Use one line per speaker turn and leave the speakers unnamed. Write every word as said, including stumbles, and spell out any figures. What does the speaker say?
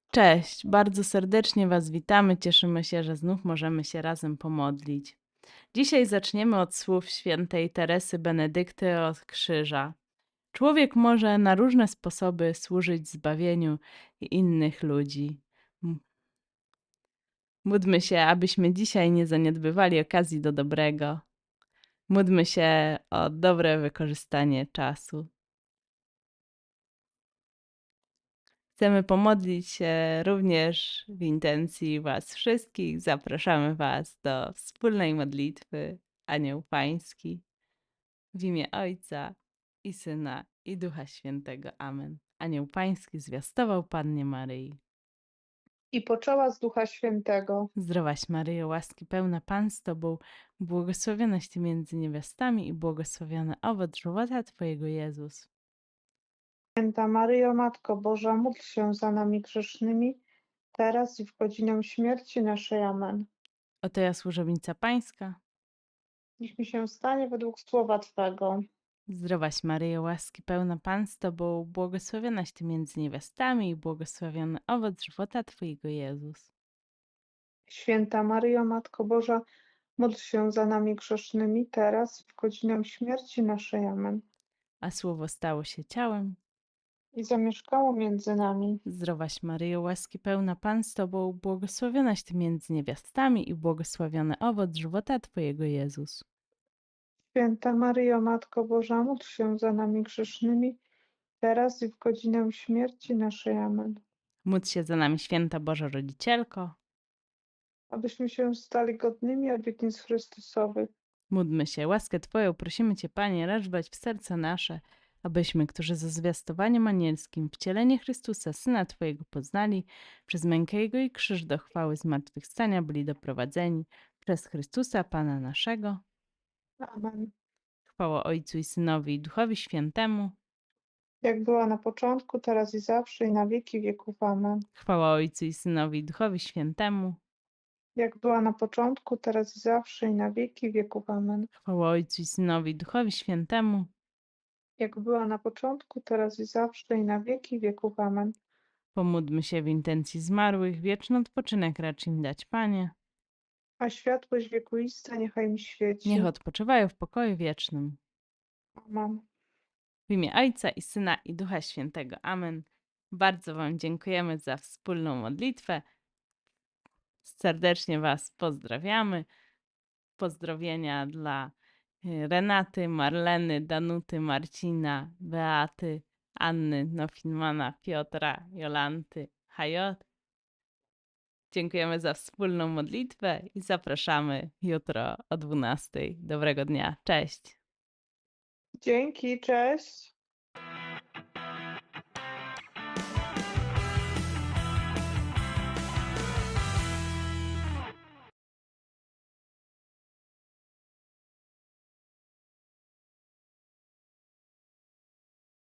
Cześć, bardzo serdecznie Was witamy. Cieszymy się, że znów możemy się razem pomodlić. Dzisiaj zaczniemy od słów świętej Teresy Benedykty od Krzyża. Człowiek może na różne sposoby służyć zbawieniu innych ludzi. M- Módlmy się, abyśmy dzisiaj nie zaniedbywali okazji do dobrego. Módlmy się o dobre wykorzystanie czasu. Chcemy pomodlić się również w intencji Was wszystkich. Zapraszamy Was do wspólnej modlitwy Anioł Pański w imię Ojca i Syna i Ducha Świętego. Amen. Anioł Pański zwiastował Pannie Maryi.
I poczęła z Ducha Świętego.
Zdrowaś Maryjo, łaski pełna Pan z Tobą, błogosławionaś Ty między niewiastami i błogosławiony owoc żywota Twojego Jezus.
Święta Maryjo, Matko Boża, módl się za nami grzesznymi, teraz i w godzinę śmierci naszej. Amen.
Oto ja służebnica Pańska.
Niech mi się stanie według słowa Twego.
Zdrowaś Maryjo, łaski pełna Pan z Tobą, błogosławionaś Ty między niewiastami i błogosławiony owoc żywota Twojego Jezus.
Święta Maryjo, Matko Boża, módl się za nami grzesznymi, teraz i w godzinę śmierci naszej. Amen.
A Słowo stało się ciałem.
I zamieszkało między nami.
Zdrowaś Maryjo, łaski pełna Pan z Tobą, błogosławionaś Ty między niewiastami i błogosławiony owoc żywota Twojego Jezus.
Święta Maryjo, Matko Boża, módl się za nami grzesznymi, teraz i w godzinę śmierci naszej. Amen.
Módl się za nami, święta Boża Rodzicielko.
Abyśmy się stali godnymi obietnic Chrystusowych.
Módlmy się, łaskę Twoją prosimy Cię, Panie, racz dać w serce nasze, abyśmy, którzy ze zwiastowaniem anielskim wcielenie Chrystusa, Syna Twojego poznali, przez mękę Jego i krzyż do chwały zmartwychwstania byli doprowadzeni, przez Chrystusa Pana naszego.
Amen.
Chwała Ojcu i Synowi i Duchowi Świętemu.
Jak była na początku, teraz i zawsze, i na wieki wieków. Amen.
Chwała Ojcu i Synowi i Duchowi Świętemu.
Jak była na początku, teraz i zawsze, i na wieki wieków. Amen.
Chwała Ojcu i Synowi i Duchowi Świętemu.
Jak była na początku, teraz i zawsze, i na wieki wieków. Amen.
Pomódlmy się w intencji zmarłych, wieczny odpoczynek racz im dać, Panie.
A światłość wiekuista niechaj mi świeci.
Niech odpoczywają w pokoju wiecznym.
Amen.
W imię Ojca i Syna i Ducha Świętego. Amen. Bardzo Wam dziękujemy za wspólną modlitwę. Serdecznie Was pozdrawiamy. Pozdrowienia dla y, Renaty, Marleny, Danuty, Marcina, Beaty, Anny, Nofimana, Piotra, Jolanty, Hajot. Dziękujemy za wspólną modlitwę i zapraszamy jutro o dwunastej. Dobrego dnia. Cześć.
Dzięki, cześć.